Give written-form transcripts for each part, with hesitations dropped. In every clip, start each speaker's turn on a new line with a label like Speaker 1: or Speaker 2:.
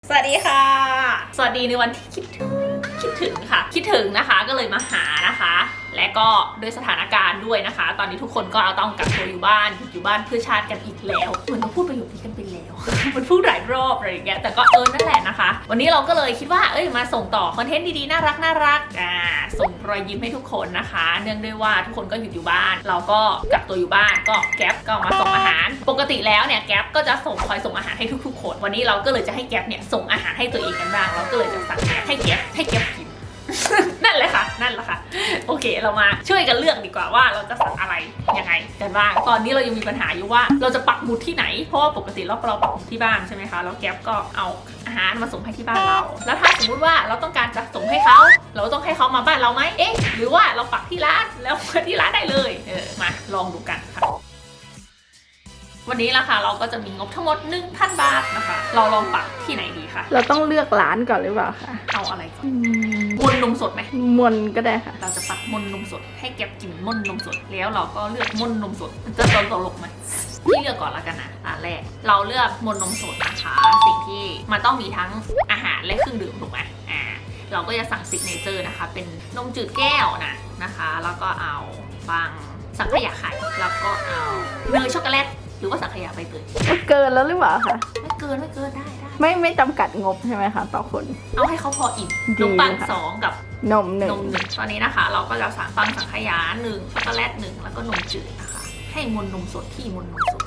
Speaker 1: สวัสดีค่ะ สวัสดีในวันที่คิดถึงค่ะ คิดถึงนะคะก็เลยมาหานะคะ และก็ด้วยสถานการณ์ด้วยนะคะ ตอนนี้ทุกคนก็ต้องกักตัวอยู่บ้านเพื่อชาติกันอีกแล้วเหมือนเราพูดประโยคนี้กันไปแล้ว มันพูดหลายรอบอะไรอย่างเงี้ยแต่ก็นั่นแหละนะคะ วันนี้เราก็เลยคิดว่ามาส่งต่อคอนเทนต์ดีๆน่ารักส่งรอยยิ้มให้ทุกคนนะคะ เนื่องด้วยว่าทุกคนก็อยู่บ้านเราก็กักตัวอยู่บ้านก็แก๊ปก็มาส่งอาหารปกติแล้วเนี่ยแก๊ปก็จะคอยส่งอาหารให้ทุกๆคนวันนี้เราก็เลยจะให้แก๊ปเนี่ยส่งอาหารให้ตัวเองกันบ้างเราก็เลยจะสั่งแก๊ปให้แก๊ปกิน นั่นแหละค่ะโอเคเรามาช่วยกันเลือกดีกว่าว่าเราจะสั่งอะไรยังไงกันบ้างตอนนี้เรายังมีปัญหาอยู่ว่าเราจะปักหมุดที่ไหนเพราะว่าปกติเราปักหมุดที่บ้านใช่ไหมคะแล้วแก๊ปก็เอาอาหารมาส่งให้ที่บ้านเราแล้วถ้าสมมุติว่าเราต้องการจะส่งให้เขาเราต้องให้เขามาบ้านเราไหมหรือว่าเราปักที่ร้านแล้วมาที่ร้านได้เลยมาลองดูกันค่ะวันนี้ราคาเราก็จะมีงบทั้งหมด 1,000 บาทนะคะเราลองปักที่ไหนดีคะ
Speaker 2: เราต้องเลือกร้านก่อนหรือเปล่าคะ
Speaker 1: เอาอะไรก่อนมนนมสดไหม
Speaker 2: มนก็ได้ค่ะ
Speaker 1: เราจะปักมนนมสดให้แก๊ปกินมนนมสดแล้วเราก็เลือกมนนมสดมันจะตลกไหมพี่เลือกก่อนละกันนะอันแรกเราเลือกมนนมสดนะคะสิ่งที่มันต้องมีทั้งอาหารและเครื่องดื่มถูกไหมเราก็จะสั่งซิกเนเจอร์นะคะเป็นนมจืดแก้วนะคะแล้วก็เอาฟังสังขยาไข่แล้วก็เอาเนยช็อกโกแลตหรือว่าสังขยาใบเตย
Speaker 2: เกินแล้วหรือเปล่าคะ
Speaker 1: ไม่เกินได้
Speaker 2: ไม่จำกัดงบใช่ไหมคะต่อคน
Speaker 1: เอาให้เขาพออิ่มนมปัง2กับ
Speaker 2: นม1
Speaker 1: ตอนนี้นะคะเราก็จะสั่งฟังสังขยา1ช็อกโกแลต1แล้วก็นมจืดนะคะให้มนนมสดที่มนนมสด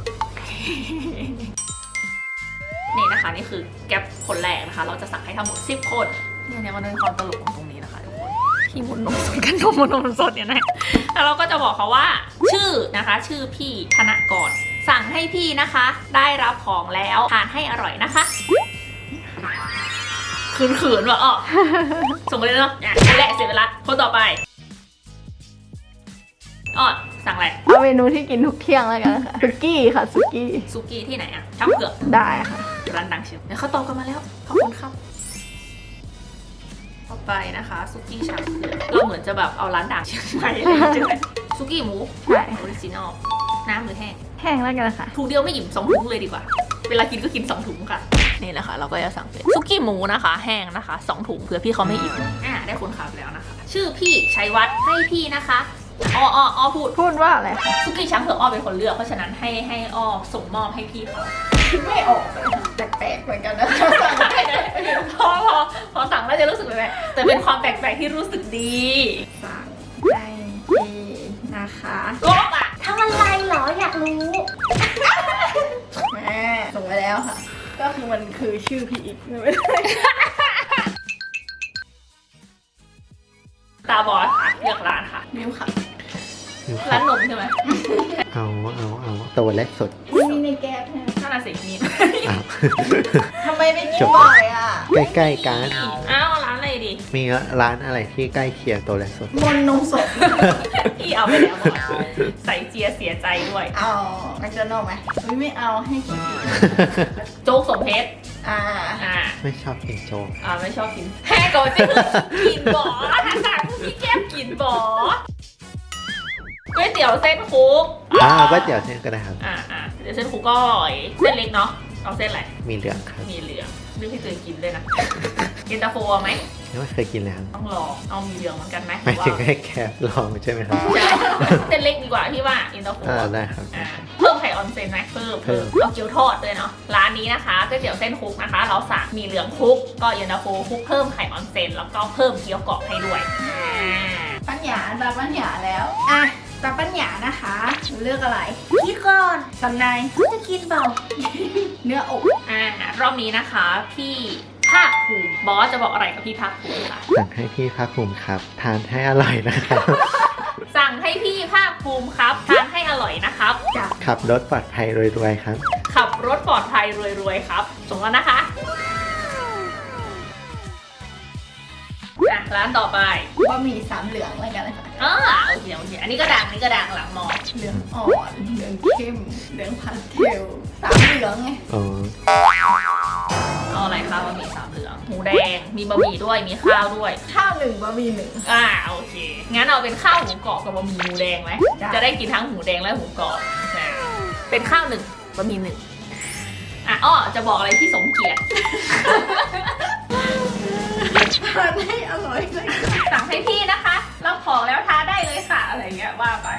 Speaker 1: นี่นะคะนี่คือแก๊ปคนแรกนะคะเราจะสั่งให้ทั้งหมด10 คนเนี่ยมันเป็นความตลกของตรงนี้นะคะทุกคนที่มนนมสดกันมนนมสดเนี่ยนะแล้วเราก็จะบอกเขาว่าชื่อนะคะชื่อพี่ธนกรสั่งให้พี่นะคะได้รับของแล้วทานให้อร่อยนะคะขืนว่ะส่งไปเลยเนาะคนแรกเสร็จไปละคนต่อไปสั่งอะไร
Speaker 2: เอาเมนูที่กินทุกเที่ยงแล้วกันค่ะซุกี้ค่ะซุกี้
Speaker 1: ที่ไหนอะช่างเผือก
Speaker 2: ได้ค่ะ
Speaker 1: ร้านดังเชียวเดี๋ยวเขาตอบกันมาแล้วขอบคุณครับต่อไปนะคะซุกี้ช่างเผือกเราเหมือนจะแบบเอาร้านดังเชียงใหม่อะไรใช่ไหมซุกี้หมู
Speaker 2: ใช่
Speaker 1: ออริจินอลน้ำหรือแห้
Speaker 2: งแล้วกันค่ะ
Speaker 1: ถุงเดียวไม่อิ่ม2 ถุงเลยดีกว่าเวลากินก็กิน2 ถุงค่ะนี่แหละค่ะเราก็จะสั่งเป็นซุกี้หมูนะคะแห้งนะคะ2 ถุงเผื่อพี่เขาไม่อิ่มได้คนขับแล้วนะคะชื่อพี่ชัยวัฒน์ให้พี่นะคะพูด
Speaker 2: ว่าอะไร
Speaker 1: ซุกี้ช้างเผือกเป็นคนเลือกเพราะฉะนั้นให้ส่งมอบให้พี่เขา
Speaker 2: ไม่ออกแปลกๆเหมือนกันนะ
Speaker 1: พอสั่งแล้วจะรู้สึกแบบแต่เป็นความแปลกๆที่รู้สึกดี
Speaker 2: สั่งให้พี่นะคะ
Speaker 1: กบทำอะไรเหรออยากรู้
Speaker 2: แม่ส่งไปแล้วค่ะก็คือมันคือชื่อพี่อีกไม่ได้
Speaker 1: ตาบอดเลือกร้านค่ะ
Speaker 2: นิ้วค่ะ
Speaker 1: ร้านนมใช่ไหม
Speaker 3: เอาตัวเล็กสุด
Speaker 2: มีในแก๊สเนี่ย
Speaker 1: น่าสิมี
Speaker 2: ทำไมไม่กินบ่อยอ่ะ
Speaker 3: ใกล้ๆกัน
Speaker 1: ร้านอะไรดี
Speaker 3: มีร้านอะไรที่ใกล้เคียงตัวเล็กสุด
Speaker 2: มนนมสด
Speaker 1: พี่เอาไปแล้วใส่เจียเสียใจด้วย
Speaker 2: เอาแมคโดนัลด์ไหมไม่เอาให้กิน
Speaker 1: โจ๊กสมเพชร
Speaker 3: ไม่ชอบกินโจ๊ก
Speaker 1: ไม่ชอบกินแฮ่ก่อนจะกินบ่อสั่งพี่แก้มกินบ่อก๋วยเตี๋ยวเส้นคุก
Speaker 3: ก๋วยเตี๋ยวเส้นก็ได้ครับ
Speaker 1: เดี๋ยวเส้นคุกก็อร่อยเส้นเล็กเนาะเอาเส้นอะไร
Speaker 3: มีเหลืองครับ
Speaker 1: มีเหลืองเรื่องที่ตัวเองกินด้วยนะกินตาโฟไหม
Speaker 3: ไม่เคยกินแล้ว
Speaker 1: ต้องลองเอามีเหลืองเหมือนกันไหม
Speaker 3: ไม่ถึงให้แค่ลองใช่ไหมครับ
Speaker 1: เส้นเล็กดีกว่าพี่ว่ากินตาโฟ
Speaker 3: ได้ครับ
Speaker 1: เพิ่มไข่ออนเซนไหมเพิ่มเอาเกี๊ยวทอดด้วยเนาะร้านนี้นะคะก๋วยเตี๋ยวเส้นคุกนะคะเราสั่งมีเหลืองคุกก็เย็นตาโฟคุกเพิ่มไข่ออนเซนแล้วก็เพิ่มเกี๊ยวกรอบให้ด้วย
Speaker 2: ปัญญาตาปัญญาแล้วตาปัญญานะคะเลือกอะไร
Speaker 1: พี่ก่อน
Speaker 2: สันใน
Speaker 1: จะกินเปล่า
Speaker 2: เนื้ออก
Speaker 1: รอบนี้นะคะพี่ภาคภูมิบอสจะบอกอะไรกับพี่ภาคภูมิค่ะ
Speaker 3: สั่งให้พี่ภาคภูมิครับทานให้อร่อยนะครับ
Speaker 1: สั่งให้พี่ภาคภูมิครับทานให้อร่อยนะครับ
Speaker 3: ขับรถปลอดภัยรวยๆครับ
Speaker 1: ขับรถปลอดภัยรวยๆครับส่งแล้วนะคะร้านต่อไป
Speaker 2: บะหมี่3เหลืองอะไรกันเลยค่ะ
Speaker 1: โอเคอันนี้ก็ดังหลังมอ
Speaker 2: เหลืองอ่อนเหลืองเข้มเหลืองพันเทล3เหลืองไง
Speaker 1: เอาอะไรคะบะหมี่3เหลืองหมูแดงมีบะหมี่ด้วยมีข้าวด้วย
Speaker 2: ข้าว1บะหมี่1
Speaker 1: โอเคงั้นเอาเป็นข้าวหมูกรอบกับบะหมี่หมูแดงไหมจะได้กินทั้งหมูแดงและหมูกรอบเป็นข้าว1บะหมี่1 อ้อจะบอกอะไรที่สมเกียรติ
Speaker 2: ทานให้อร่อยเลย
Speaker 1: สั่งให้พี่นะคะรับของแล้วทานได้เลยค่ะอะไรเงี้ยว่าไป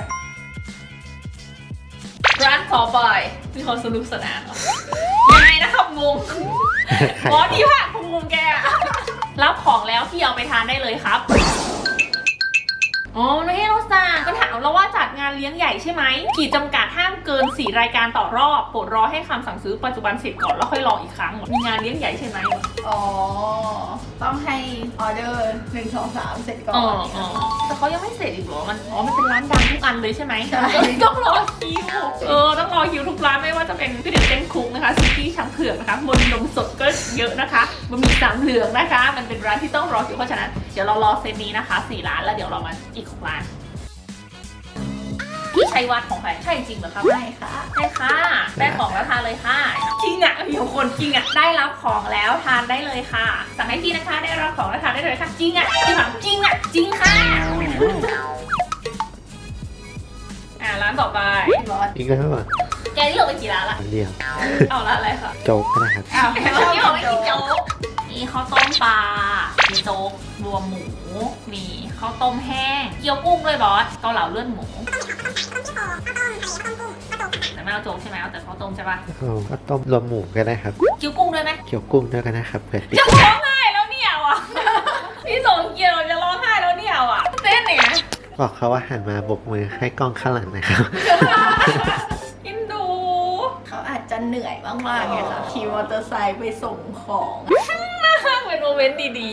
Speaker 1: ร้านต่อไปมีความสนุกสนานเหรอยังไงนะครับงงอ๋อที่ผ่านงงแกอะรับของแล้วพี่เอาไปทานได้เลยครับอ๋อไม่ให้เราสั่งก็ถามเราว่าจัดงานเลี้ยงใหญ่ใช่ไหมขีดจำกัดห้ามเกิน4 รายการต่อรอบโปรดรอให้คำสั่งซื้อปัจจุบันเสร็จก่อนแล้วค่อยรออีกครั้งมีงานเลี้ยงใหญ่ใช่ไหม
Speaker 2: อ๋อ ต้องให้ออเดอร์1 2 3เสร็จก่อน
Speaker 1: แต่เขายังไม่เสร็จอีกเหรอมันมันเป็นร้านดังทุกอันเลยใช่ไหม
Speaker 2: ใช่
Speaker 1: ต้องรอคิวต้องรอคิวทุกร้านไม่ว่าจะเป็นก๋วยเตี๋ยวเต้นคุกนะคะซุกี้ช้างเผือกนะคะมนนมสดก็เยอะนะคะบะหมี่สามเหลืองนะคะมันเป็นร้านที่ต้องรอคิวเพราะฉะนั้นเดี๋ยวเรารอเซตนี้นะคะ4 ร้านแล้วเดี๋ยวเรามาอีก6 ร้านพี่ชัยวัฒน์ของใครใช่จริงเหรอครับ
Speaker 2: ได้ค่ะ
Speaker 1: ใช่ค่ะได้ของแล้วทานเลยค่ะจริงอ่ะมีคนจริงอ่ะได้รับของแล้วทานได้เลยค่ะสั่งให้พี่นะคะได้รับของแล้วทานได้เลยค่ะจริงอ่ะจริงแบบจริงอ่ะจริงค่ะร้านต่อไป
Speaker 2: ร้อน
Speaker 3: อีกแล้วอ่ะ
Speaker 1: แกนี่เราไปกี่ร้านละ
Speaker 3: อันเดียว
Speaker 1: เอาร้านอะไรคะ
Speaker 3: โจ๊กก็ได้ครับ
Speaker 2: อ้าว
Speaker 1: เมื่อกี้บอกไม่กินโจ๊กมีข้าวต้มปลามีโจ๊กรวมหมูมีข้าวต้มแห้งเกี๊ยวกุ้งด้วยบอสเกาเหลาเลือดหมูแต่ไม่เอาโจ๊กใช่ไหมเอาแต่ข้าวต้มใช่ปะ
Speaker 3: เอาก็ต้มรวมหมูก็ได้ครับ
Speaker 1: เกี๊ยวกุ้งด้วยไหม
Speaker 3: เกี๊ยวกุ้งด้วยก็ได้ครับเผื่อติด
Speaker 1: จะร้องไห้แล้วเนี่ยว่ะ พี่สงเกียรติจะร้องไห้แล้วเนี่ยว่ะเต้นเนี่ย
Speaker 3: บอกเขาว่าหันมาบกมือให้กล้องข้างหลังนะครับ
Speaker 1: อินดู
Speaker 2: เขาอาจจะเหนื่อยมากๆไงค่ะขี่มอเตอร์ไซค์ไปส่งของ
Speaker 1: เป็นโมเมนต์ดี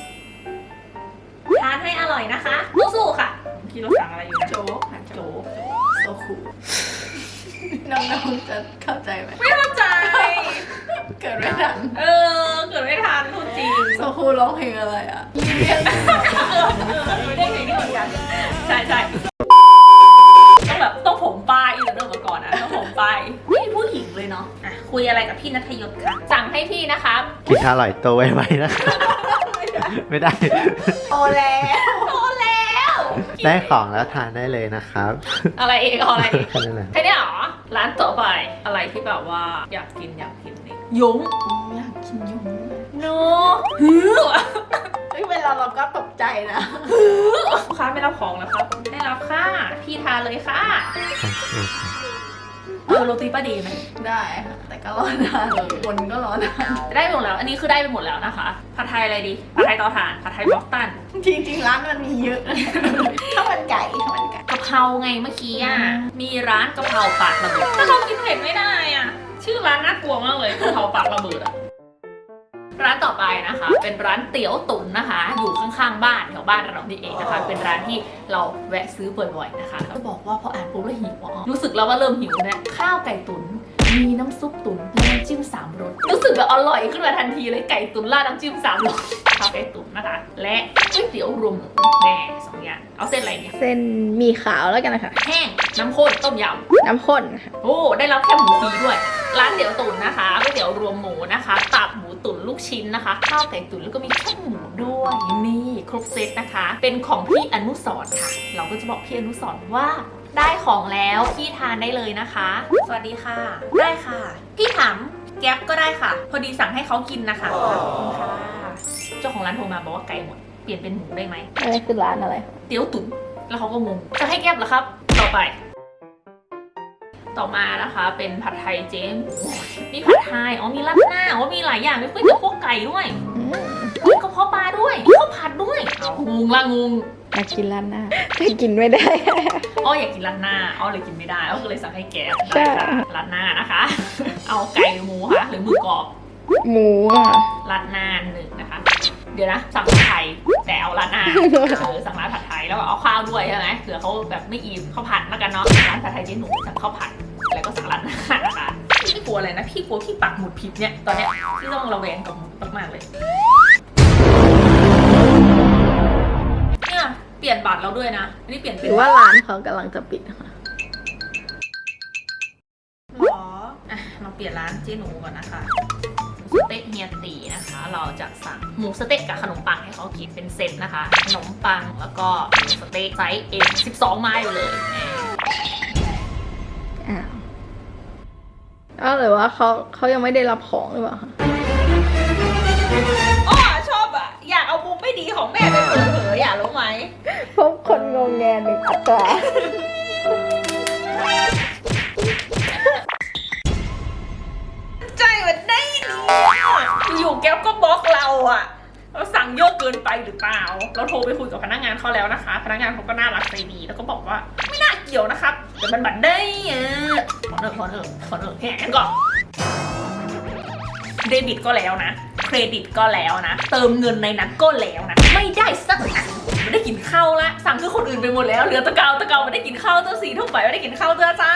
Speaker 1: ๆทานให้อร่อยนะคะสู้ๆค่ะพี่เราสั่งอะไรอยู่นะ
Speaker 2: โจ๊กค่ะ
Speaker 1: โจ๊ก
Speaker 2: โซคูน้องๆจะเข้าใจไหม
Speaker 1: ไม่เข้าใจ
Speaker 2: เกิดไม่ทัน
Speaker 1: เกิดไม่ทันพูดจริง
Speaker 2: โซคูร้องเพลงอะไรอ่ะ
Speaker 1: ไม่ได้เพลงนี้เหมือนกันใช่ใช่ต้องแบบต้องผมปลายอีกเดิมมาก่อนนะต้องผมปลายนี่ผู้หญิงเลยเนาะอ่ะคุยอะไรกับพี่นัทยศค่ะสั่งให้พี่นะคะ
Speaker 3: กินอร่อยโตไวๆนะครับไม่ได้
Speaker 2: โตแล้ว
Speaker 1: โตแล้ว
Speaker 3: ได้ของแล้วทานได้เลยนะครับ
Speaker 1: อะไรเองเอาอะไรเอง
Speaker 3: แค่นั้นแหละ
Speaker 1: แค่นี้เหรอร้านต่อไปอะไรที่แบบว่าอยากกินนี่ยง
Speaker 2: อยากกินยุง
Speaker 1: โนฮือ
Speaker 2: เฮ้ยเวลาเราก็ตกใจนะ
Speaker 1: ลูกค้าไม่รับของแล้วครับได้รับค่ะพี่ทานเลยค่ะโรตีป้าดีไหม
Speaker 2: ได้ค่ะ แต่ก็รอนานคนก็รอนาน
Speaker 1: ได้หมดแล้วอันนี้คือได้ไปหมดแล้วนะคะผัดไทยอะไรดีผัดไทยเตาถ่านผัดไทยบล็อกตัน
Speaker 2: จริงๆร้านมันมีเยอะข้าวมันไก่
Speaker 1: กะเพราไงเมื่อกี้อ่ะ มีร้านกะเพราปากระเบิด ถ้าเรากินเผ็ดไม่ได้อ่ะ ชื่อร้านน่ากลัวมากเลยกะเพราปากระเบิดอ่ะ ร้านต่อไปนะคะ เป็นร้านเตี๋ยวตุ๋นนะคะ อยู่ข้างๆบ้านแถวบ้านเรานี่เองนะคะ เป็นร้านที่เราแวะซื้อบ่อยๆนะคะก็บอกว่าพออ่านปุ๊บแล้วหิวอ่ะรู้สึกแล้วว่าเริ่มหิวเนี่ยข้าวไก่ตุ๋นมีน้ำซุปตุ๋นและน้ำจิ้ม3 รสรู้สึกแบบอร่อยขึ้นมาทันทีเลยไก่ตุ๋นราดน้ำจิ้ม3 รสข้าวไก่ตุ๋นนะคะ และก๋วยเตี๋ยวรวมหมูแน่2 อย่างเอาเส้นอะไรเนี่ย
Speaker 2: เส้นหมี่ขาวแล้วกันนะคะ
Speaker 1: แห้งน้ำข้นต้มยำ
Speaker 2: น้ำข้นค่ะ
Speaker 1: โอ้ ได้รับแค่หมูฟรีด้วย ร้านเตี๋ยวตุ๋นนะคะก๋วยเตี๋ยวรวมหมูนะคะตับหมูตุ๋นลูกชิ้นนะคะข้าวไก่ตุ๋นแล้วก็มีแค่หมูด้วยนี่ครบเซตนะคะ เป็นของพี่อนุสรณ์ค่ะ เราก็จะบอกพี่อนุสรณ์ว่าได้ของแล้วพี่ทานได้เลยนะคะ สวัสดีค่ะ ได้ค่ะ พี่ถามแก๊ปก็ได้ค่ะ พอดีสั่งให้เขากินนะคะขอบคุณค่ะเจ้าของร้านโทรมาบอกว่าไก่หมดเปลี่ยนเป็นหมูได้ไหม
Speaker 2: อะไรคือร้านอะไร
Speaker 1: เตี๋ยวตุ๋นแล้วเขาก็งงจะให้แก๊ปเหรอครับ ต่อไป ต่อมานะคะเป็นผัดไทยเจ๊หมูมีผัดไทยมีราดหน้ามีหลายอย่างมีก๋วยเตี๋ยวพวกไก่ด้วยมีกระเพาะปลาด้วยมีข้าวผัดด้วยเอางงละงง
Speaker 2: อยากกินร้านหน้าแต่กินไม่ได้
Speaker 1: อยากกินราดหน้าเลยกินไม่ได้ก็เลยสั่งให้แกะ
Speaker 2: ใช่
Speaker 1: ได้ค่ะราดหน้านะคะ เอาไก่หรือหมูคะหรือหมือกรอบ
Speaker 2: หมูอ่ะ
Speaker 1: ราดหน้า1นะคะ เดี๋ยวนะสั่งผัดไทยแต่เอาราดหน้าสั่งร้านผัดไทยแล้วก็เอาข้าวด้วยใช่ไหมเผื่อเขาแบบไม่อิ่มข้าวผัดแล้วกันเนาะร้านผัดไทยเจ๊หนูสั่งข้าวผัดแล้วก็สั่งราดหน้านะคะพี่กลัวอะไรนะพี่กลัวพี่ปักหมุดผิดเนี่ยตอนเนี้ยพี่ต้องระแวงกับหมุดมากๆเลยเนี่ยเปลี่ยนบัตรแล้วด้วยนะอันนี้เปลี่ยน
Speaker 2: ห
Speaker 1: เป็น
Speaker 2: รือว่าร้านเขากำลังจะปิดค่ะ
Speaker 1: หรอเราเปลี่ยนร้านเจ๊หนูก่อนนะคะสเต็กเฮียตีนะคะ เราจะสั่งหมูสเต็กกับขนมปังให้เขากินเป็นเซตนะคะขนมปังแล้วก็หมูสเต็กไซส์ 12 ไม้ไปเลย
Speaker 2: อ้าวอ้าวหรือว่าเขายังไม่ได้รับของหรือเปล่าคะ
Speaker 1: อ้อชอบอ่ะ อยากเอามุมไม่ดีของแม่ไปเผยอยากรู้ไหม
Speaker 2: พบคนงงแงหนึ่งอัตรา
Speaker 1: ใจมันได้ดีอยู่ๆแก๊ปก็บล็อกเราอ่ะ เราสั่งเยอะเกินไปหรือเปล่า เราโทรไปคุยกับพนักงานเขาแล้วนะคะ พนักงานเขาก็น่ารักใจดีแล้วก็บอกว่าไม่น่าเกี่ยวนะครับแต่มันบัตรได้อ่ะขอเนอะแหงก่อนเดบิตก็แล้วนะ เครดิตก็แล้วนะ เติมเงินในนั้นก็แล้วนะ ไม่ได้สักอันไม่ได้กินข้าวละสั่งคือคนอื่นไปหมดแล้วเหลือตะเกาไม่ได้กินข้าวตัว4 ทุ่มไปไม่ได้กินข้าวตัวจ้า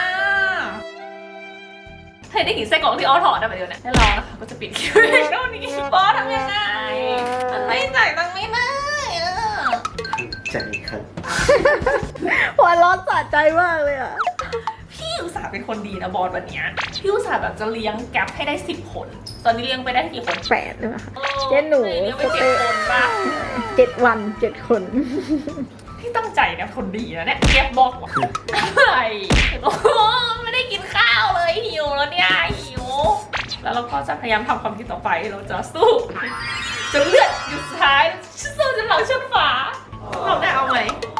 Speaker 1: ให้ได้กินไส้กรอกที่อ้อถอดได้ไปเดี๋ยวนะแล้วเรานะคะก็จะปิดคลิปเท่านี้บอสทำยังไงมันไม่จ่ายตังค์ไม่ได้อะ
Speaker 3: ใจครับ
Speaker 2: หัวเร้อนสะใจมากเลยอ่ะ
Speaker 1: พี่อุตส่าห์เป็นคนดีนะบอสวันเนี้ยพี่อุตส่าห์แบบจะเลี้ยงแก๊ปให้ได้10 คน ตอนนี้เลี้ยงไปได้กี่คน
Speaker 2: 8หรือเปล่าคะเจ๊หนู
Speaker 1: เลี้ยงไป7 คนป่ะ
Speaker 2: 7 วัน 7 คน
Speaker 1: พี่ตั้งใจนะคนดีนะเนี่ยแก๊ปบอกว่าอะไรโอ้โหไม่ได้กินข้าวเลยหิวแล้วเนี่ยหิวแล้วเราก็จะพยายามทำความคิดต่อไปเราจะสู้จนเลือดหยุดสุดท้ายสู้จนหลังชนฝาเราได้เอาไหม